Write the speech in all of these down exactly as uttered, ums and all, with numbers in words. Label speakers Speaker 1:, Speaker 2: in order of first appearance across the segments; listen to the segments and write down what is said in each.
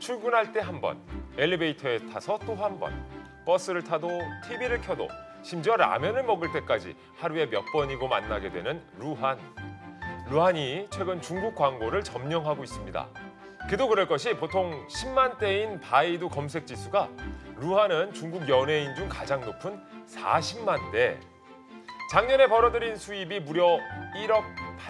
Speaker 1: 출근할 때 한 번, 엘리베이터에 타서 또 한 번, 버스를 타도 티비를 켜도 심지어 라면을 먹을 때까지 하루에 몇 번이고 만나게 되는 루한. 루한이 최근 중국 광고를 점령하고 있습니다. 그도 그럴 것이 보통 십만 대인 바이두 검색 지수가 루한은 중국 연예인 중 가장 높은 사십만 대. 작년에 벌어들인 수입이 무려 일억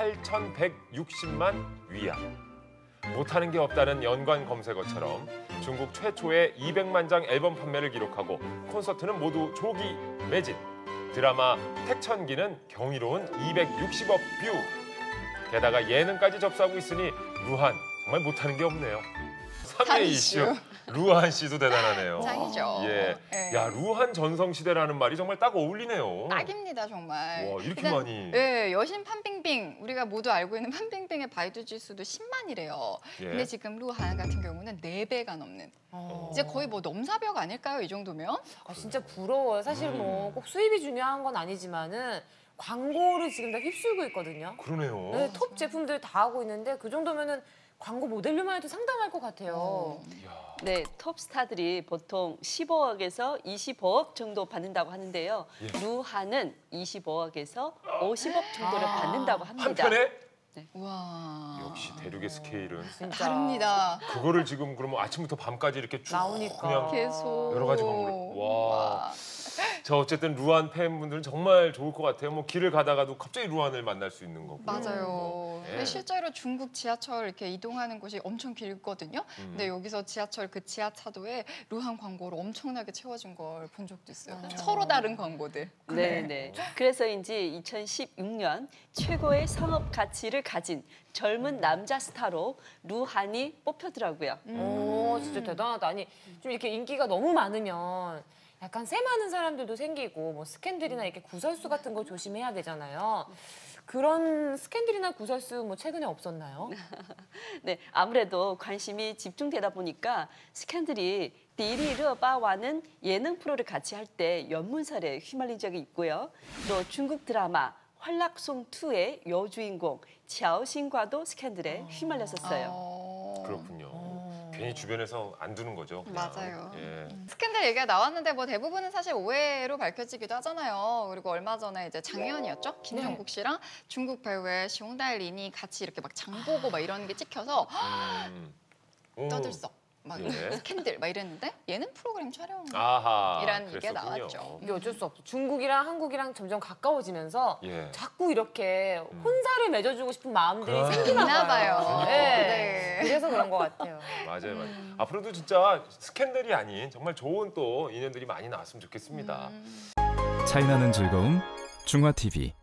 Speaker 1: 팔천백육십만 위안. 못하는 게 없다는 연관 검색어처럼 중국 최초의 이백만 장 앨범 판매를 기록하고 콘서트는 모두 조기 매진. 드라마 택천기는 경이로운 이백육십억 뷰. 게다가 예능까지 접수하고 있으니 루한 정말 못하는 게 없네요. 삼 대 이슈. 루한 씨도 대단하네요.
Speaker 2: 짱이죠.
Speaker 1: 예.
Speaker 2: 네.
Speaker 1: 야, 루한 전성시대라는 말이 정말 딱 어울리네요.
Speaker 2: 딱입니다, 정말.
Speaker 1: 와, 이렇게
Speaker 2: 일단,
Speaker 1: 많이.
Speaker 2: 네, 여신 판빙빙. 우리가 모두 알고 있는 판빙빙의 바이두 지수도 십만이래요.
Speaker 1: 예.
Speaker 2: 근데 지금 루한 같은 경우는 네 배가 넘는.
Speaker 3: 어.
Speaker 2: 이제 거의 뭐 넘사벽 아닐까요, 이 정도면?
Speaker 3: 아, 진짜 부러워요. 사실 뭐
Speaker 1: 음.
Speaker 3: 꼭 수입이 중요한 건 아니지만은 광고를 지금 다 휩쓸고 있거든요.
Speaker 1: 그러네요.
Speaker 3: 네, 톱 제품들 다 하고 있는데 그 정도면은 광고 모델료만 해도 상당할 것 같아요.
Speaker 2: 어.
Speaker 1: 이야.
Speaker 4: 네, 톱스타들이 보통 십오억에서 이십오억 정도 받는다고 하는데요.
Speaker 1: 예.
Speaker 4: 루한은 이십오억에서 오십억 정도를
Speaker 2: 아.
Speaker 4: 받는다고 합니다.
Speaker 1: 한편에
Speaker 2: 와.
Speaker 1: 역시 대륙의 스케일은
Speaker 3: 진짜.
Speaker 2: 다릅니다.
Speaker 1: 그거를 지금 그러면 아침부터 밤까지 이렇게 쭉
Speaker 3: 나오니까.
Speaker 1: 그냥
Speaker 2: 계속.
Speaker 1: 여러 가지 광고를. 와. 자, 어쨌든 루한 팬분들은 정말 좋을 것 같아요. 뭐 길을 가다가도 갑자기 루한을 만날 수 있는 거고.
Speaker 2: 맞아요.
Speaker 1: 예.
Speaker 2: 근데 실제로 중국 지하철 이렇게 이동하는 곳이 엄청 길거든요.
Speaker 1: 음.
Speaker 2: 근데 여기서 지하철 그 지하차도에 루한 광고로 엄청나게 채워진 걸 본 적도 있어요.
Speaker 3: 아.
Speaker 2: 서로 다른 광고들.
Speaker 4: 네, 네. 그래서인지 이천십육 년 최고의 상업 가치를 가진 젊은 남자 스타로 루한이 뽑혔더라고요.
Speaker 3: 오, 진짜 대단하다. 아니, 좀 이렇게 인기가 너무 많으면 약간 새 많은 사람들도 생기고 뭐 스캔들이나 이렇게 구설수 같은 거 조심해야 되잖아요. 그런 스캔들이나 구설수 뭐 최근에 없었나요?
Speaker 4: 네, 아무래도 관심이 집중되다 보니까 스캔들이 디리르바와는 예능 프로를 같이 할 때 연문설에 휘말린 적이 있고요. 또 중국 드라마 활락송이의 여주인공 샤오신과도 스캔들에 휘말렸었어요.
Speaker 2: 어...
Speaker 1: 그렇군요.
Speaker 3: 어.
Speaker 1: 괜히 주변에서 안 두는 거죠. 그냥.
Speaker 2: 맞아요.
Speaker 1: 예.
Speaker 2: 스캔들 얘기가 나왔는데 뭐 대부분은 사실 오해로 밝혀지기도 하잖아요. 그리고 얼마 전에 이제 작년이었죠? 김정국 씨랑 중국 배우의 시홍달린이 같이 이렇게 막 장보고 막 이런 게 찍혀서
Speaker 1: 음. 오.
Speaker 2: 떠들썩 막
Speaker 1: 예.
Speaker 2: 스캔들 막 이랬는데 예능 프로그램 촬영.
Speaker 1: 아하.
Speaker 2: 이란 얘기가
Speaker 1: 그랬었군요.
Speaker 2: 나왔죠.
Speaker 3: 이게 어쩔 수 없어. 중국이랑 한국이랑 점점 가까워지면서
Speaker 1: 예.
Speaker 3: 자꾸 이렇게 혼사를 맺어주고 싶은 마음들이
Speaker 1: 아.
Speaker 3: 생기나
Speaker 2: 있나
Speaker 3: 봐요.
Speaker 2: 봐요.
Speaker 3: 네.
Speaker 2: 네.
Speaker 3: 그래서 그런 것 같아요.
Speaker 1: 맞아요, 맞아요.
Speaker 2: 음.
Speaker 1: 앞으로도 진짜 스캔들이 아닌 정말 좋은 또 인연들이 많이 나왔으면 좋겠습니다.
Speaker 2: 음.
Speaker 5: 차이나는 즐거움 중화티비